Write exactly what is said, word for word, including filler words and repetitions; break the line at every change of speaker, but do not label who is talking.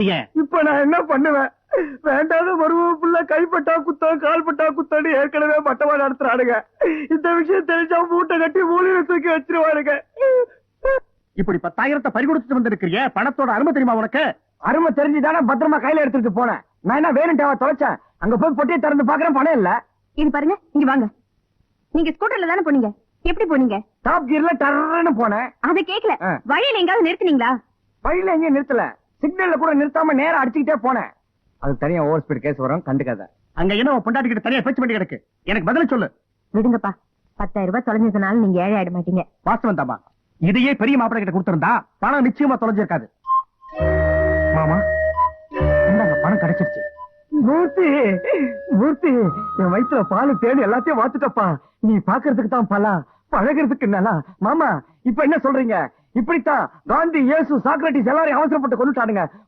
இப்ப நான் என்ன பண்ணுவேன்? வேண்டாத மருமப்புள்ள கைப்பட்டா குத்தம் கால்பட்டா குத்தான்னு ஏற்கனவே மட்டமா நடத்துறானுங்க. இந்த விஷயம் தெரிஞ்சா மூட்டை கட்டி மூலையில தூக்கி வச்சிருவானுங்க.
இப்படி பத்தாயிரத்தை பறிகொடுத்து வந்திருக்கிறிய, பணத்தோட அருமை தெரியுமா உனக்கு?
அருமை தெரிஞ்சுதானே பத்திரமா கையில எடுத்துட்டு போனேன். நான் என்ன வேணும்ட்டாவா தொலைச்சேன்? அங்க போய் பொட்டியை திறந்து பாக்குறேன், பணம் இல்ல.
இது பாருங்க, இங்க வாங்க. நீங்க ஸ்கூட்டர்ல தானே போனீங்க? எப்படி போனீங்க?
டாப் கியர்ல டர்ன்னு போனேன்.
அதை கேக்கல. வழியில எங்காவது நிறுத்துனீங்களா?
வழியில எங்கேயும் நிறுத்தல, சிக்னல்ல கூட நிறுத்தாம நேரா அடிச்சுக்கிட்டே போனேன். அது தனியா ஓவர் ஸ்பீட் கேஸ் வரும், கண்டுக்காத.
அங்க என்ன பொண்டாட்டி கிட்ட தனியா பேச்சு பண்ணி கிடக்கு, எனக்கு பதில் சொல்லு.
விடுங்கப்பா, பத்தாயிரம் ரூபாய் தொலைஞ்சதுனால நீங்க ஏழை ஆயிட மாட்டீங்க.
வாஸ்தவம் தாமா, இதையே பெரிய மாப்பிள்ளை கிட்ட கொடுத்திருந்தா பணம் நிச்சயமா தொலைஞ்சிருக்காது. மாமா இந்தாங்க, பணம் கிடைச்சிருச்சு.
மூர்த்தி, மூர்த்தி, என் வயிற்றுல பாலு தேடி எல்லாத்தையும் வாத்துட்டப்பா. நீ பாக்குறதுக்கு தான் பலா, பழகிறதுக்கு நல்லா. மாமா இப்ப என்ன சொல்றீங்க? இப்படித்தான் காந்தி, இயேசு, சாக்ரட்டிஸ் எல்லாரையும் அவசரப்பட்டு கொண்டுட்டானுங்க.